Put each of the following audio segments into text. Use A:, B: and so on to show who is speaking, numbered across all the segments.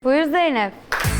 A: Buyur Zeynep.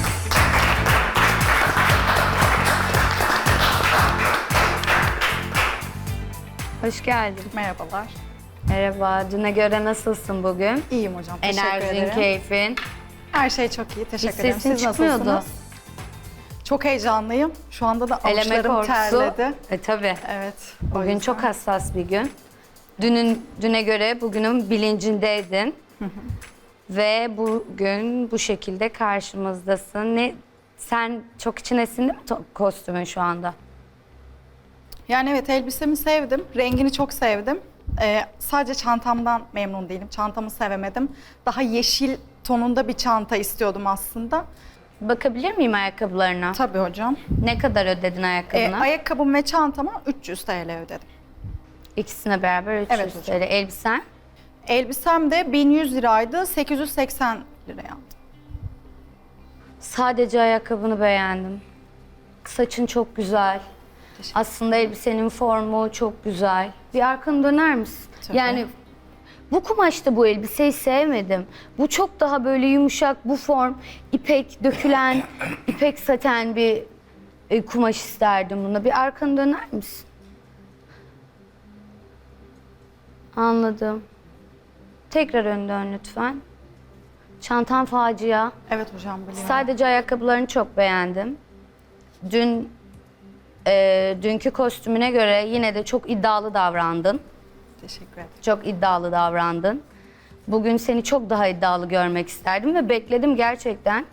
A: Hoş geldin.
B: Merhabalar.
A: Merhaba. Düne göre nasılsın bugün?
B: İyiyim hocam. Teşekkür
A: Enerjin,
B: ederim.
A: keyfin.
B: Her şey çok iyi. Teşekkür
A: Hiç
B: ederim.
A: sesin
B: Siz
A: çıkmıyordu.
B: nasılsınız? Çok heyecanlıyım. Şu anda da
A: Eleme
B: avuçlarım
A: korkusu.
B: terledi.
A: Tabii.
B: Evet. o
A: Bugün
B: yüzden.
A: çok hassas bir gün. Düne göre bugünün bilincindeydin. Ve bugün bu şekilde karşımızdasın. Sen çok içine sindi mi kostümün şu anda?
B: Yani evet, elbisemi sevdim. Rengini çok sevdim. Sadece çantamdan memnun değilim. Çantamı sevemedim. Daha yeşil tonunda bir çanta istiyordum aslında.
A: Bakabilir miyim ayakkabılarına?
B: Tabii hocam.
A: Ne kadar ödedin ayakkabına?
B: Ayakkabım ve çantama 300 TL ödedim.
A: İkisine beraber 300
B: Evet hocam.
A: TL. Elbisen?
B: Elbisem de 1100 liraydı. 880 liraya aldım.
A: Sadece ayakkabını beğendim. Saçın çok güzel. Aslında elbisenin formu çok güzel. Bir arkanı döner misin?
B: Tabii.
A: Yani bu kumaşta bu elbiseyi sevmedim. Bu çok daha böyle yumuşak, bu form, ipek dökülen, ipek saten bir kumaş isterdim buna. Bir arkanı döner misin? Anladım. Tekrar ön dön lütfen. Çantan facia.
B: Evet hocam, biliyorum.
A: Sadece ayakkabılarını çok beğendim. Dünkü kostümüne göre yine de çok iddialı davrandın.
B: Teşekkür ederim.
A: Çok iddialı davrandın. Bugün seni çok daha iddialı görmek isterdim ve bekledim gerçekten.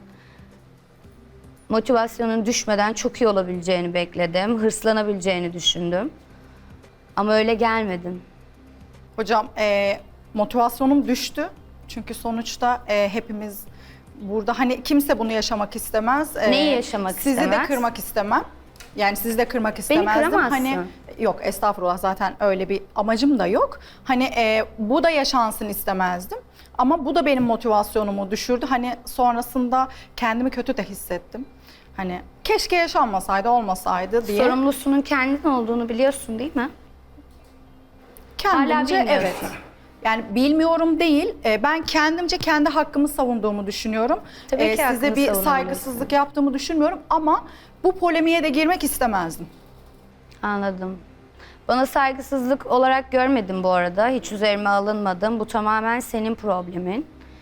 A: Motivasyonun düşmeden çok iyi olabileceğini bekledim. Hırslanabileceğini düşündüm. Ama öyle gelmedin.
B: Hocam motivasyonum düştü. Çünkü sonuçta hepimiz burada, hani kimse bunu yaşamak istemez.
A: Neyi yaşamak
B: sizi
A: istemez?
B: de kırmak istemem. Yani sizi de kırmak istemezdim.
A: kıramazsın.
B: Hani yok, estağfurullah, zaten öyle bir amacım da yok. Hani bu da yaşansın istemezdim. Ama bu da benim motivasyonumu düşürdü. Hani sonrasında kendimi kötü de hissettim. Hani keşke yaşanmasaydı, olmasaydı diye.
A: Sorumlusunun kendin olduğunu biliyorsun değil mi?
B: Kendimce
A: Hala bilmiyorsun.
B: evet. Yani bilmiyorum değil, ben kendimce kendi hakkımı savunduğumu düşünüyorum.
A: Tabii ki
B: Size
A: hakkını
B: bir
A: savunmalısın.
B: saygısızlık yaptığımı düşünmüyorum ama bu polemiğe de girmek istemezdim.
A: Anladım. Bana saygısızlık olarak görmedim bu arada. Hiç üzerime alınmadım. Bu tamamen senin problemin.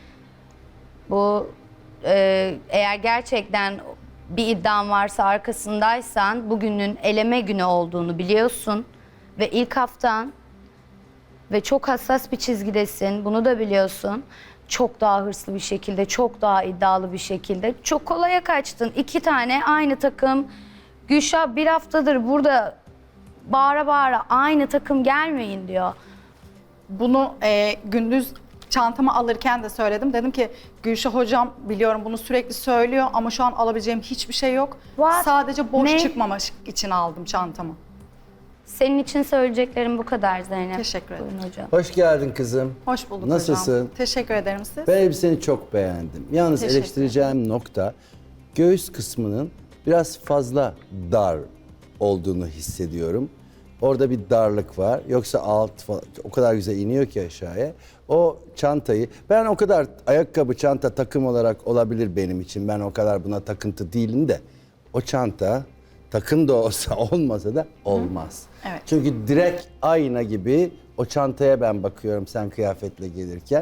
A: Bu eğer gerçekten bir iddian varsa, arkasındaysan bugünün eleme günü olduğunu biliyorsun. Ve ilk haftan ve çok hassas bir çizgidesin. Bunu da biliyorsun. Çok daha hırslı bir şekilde, çok daha iddialı bir şekilde. Çok kolaya kaçtın. 2 tane aynı takım. Gülşah bir haftadır burada bağıra bağıra aynı takım gelmeyin diyor.
B: Bunu gündüz çantamı alırken de söyledim. Dedim ki Gülşah hocam, biliyorum bunu sürekli söylüyor ama şu an alabileceğim hiçbir şey yok.
A: What?
B: Sadece boş
A: Ne?
B: çıkmamak için aldım çantamı.
A: Senin için söyleyeceklerim bu kadar Zeynep.
B: Teşekkür ederim.
A: Buyurun hocam.
C: Hoş geldin kızım.
B: Hoş bulduk
C: Nasılsın?
B: hocam. Teşekkür ederim siz.
C: Ben elbiseni çok beğendim. Yalnız
B: Teşekkür
C: eleştireceğim nokta, göğüs kısmının biraz fazla dar olduğunu hissediyorum. Orada bir darlık var. Yoksa alt falan, o kadar güzel iniyor ki aşağıya. O çantayı, ben o kadar ayakkabı, çanta takım olarak olabilir benim için. Ben o kadar buna takıntı değilim de. O çanta takım da olsa olmasa da olmaz.
B: Evet.
C: Çünkü direkt ayna gibi o çantaya ben bakıyorum sen kıyafetle gelirken.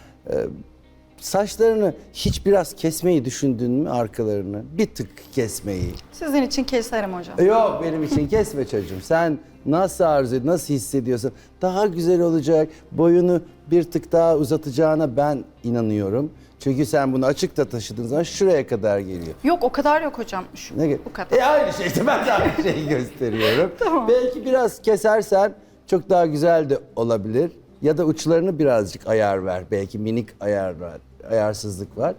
C: Saçlarını hiç biraz kesmeyi düşündün mü, arkalarını? Bir tık kesmeyi.
B: Sizin için keserim hocam.
C: Yok, benim için kesme çocuğum. Sen nasıl arzu ediyorsun, nasıl hissediyorsun? Daha güzel olacak. Boyunu bir tık daha uzatacağına ben inanıyorum. Çünkü sen bunu açıkta taşıdığın zaman şuraya kadar geliyor.
B: Yok, o kadar yok hocam. Şu,
C: Ne
B: bu kadar.
C: aynı şey işte, ben de aynı şeyi gösteriyorum.
B: Tamam.
C: Belki biraz kesersen çok daha güzel de olabilir. Ya da uçlarını birazcık ayar ver. Belki minik ayar var, ayarsızlık var.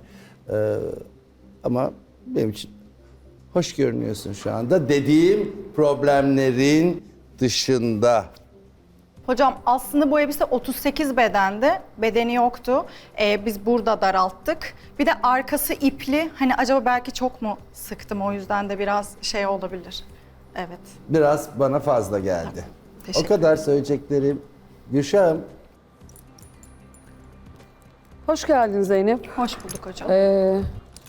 C: Ama benim için hoş görünüyorsun şu anda. Dediğim problemlerin dışında.
B: Hocam aslında bu elbise 38 bedendi. Bedeni yoktu. Biz burada daralttık. Bir de arkası ipli. Hani acaba belki çok mu sıktım, o yüzden de biraz şey olabilir. Evet.
C: Biraz bana fazla geldi.
B: Teşekkür
C: O kadar söyleyeceklerim. Gülşah'ım,
D: Hoş geldin Zeynep.
B: Hoş bulduk hocam.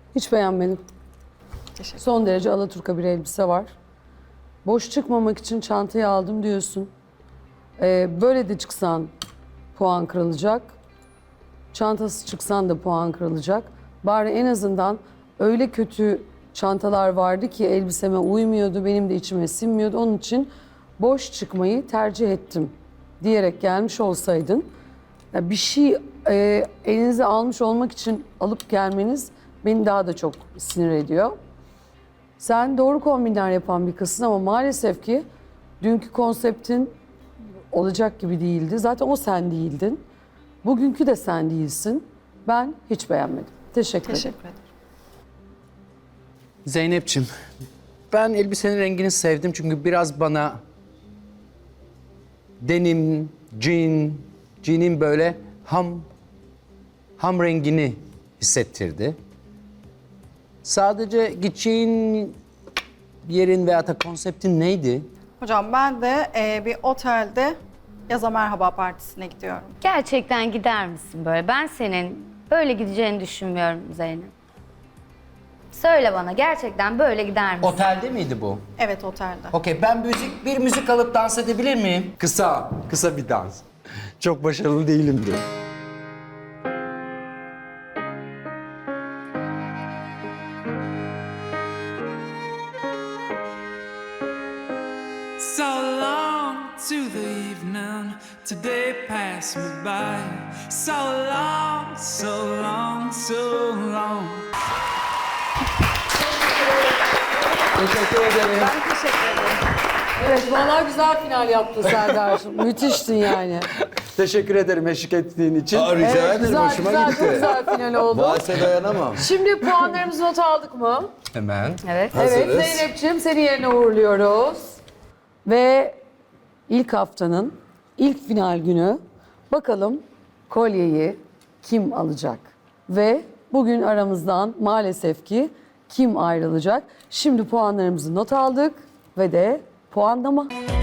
D: Hiç beğenmedim.
B: Teşekkür.
D: Son derece alaturka bir elbise var. Boş çıkmamak için çantayı aldım diyorsun. Böyle de çıksan puan kırılacak. Çantası çıksan da puan kırılacak. Bari en azından öyle kötü çantalar vardı ki elbiseme uymuyordu, benim de içime sinmiyordu. Onun için boş çıkmayı tercih ettim diyerek gelmiş olsaydın, ya bir şey elinize almış olmak için alıp gelmeniz beni daha da çok sinir ediyor. Sen doğru kombinler yapan bir kızsın ama maalesef ki dünkü konseptin olacak gibi değildi. Zaten o sen değildin. Bugünkü de sen değilsin. Ben hiç beğenmedim. Teşekkür ederim.
B: Teşekkür ederim.
E: Zeynep'ciğim, ben elbisenin rengini sevdim çünkü biraz bana denim, jean'in böyle ham rengini hissettirdi. Sadece gideceğin yerin veya da konseptin neydi?
B: Hocam ben de bir otelde yaza merhaba partisine gidiyorum.
A: Gerçekten gider misin böyle? Ben senin böyle gideceğini düşünmüyorum Zeynep. Söyle bana, gerçekten böyle gider misin?
E: Otelde miydi bu?
B: Evet, otelde.
E: Okey, ben bir müzik alıp dans edebilir miyim? Kısa bir dans. Çok başarılı değilimdir.
F: So long to the evening, today passed me by. So long, so long, so long.
E: Teşekkür ederim.
B: Ben teşekkür ederim.
D: Evet, vallahi güzel final yaptın Serdar'cığım. Müthiştin yani.
E: Teşekkür ederim eşlik ettiğin için.
C: Rica
D: Evet,
C: ederim,
D: güzel,
C: hoşuma
D: güzel,
C: gitti.
D: çok güzel final oldu.
C: Bahse dayanamam.
D: Şimdi puanlarımızı not aldık mı?
E: Hemen.
A: Evet.
D: Evet,
C: Hazırız.
D: Zeynep'ciğim seni yerine uğurluyoruz. Ve ilk haftanın ilk final günü bakalım kolyeyi kim alacak? Ve bugün aramızdan maalesef ki kim ayrılacak? Şimdi puanlarımızı not aldık ve de puanlama.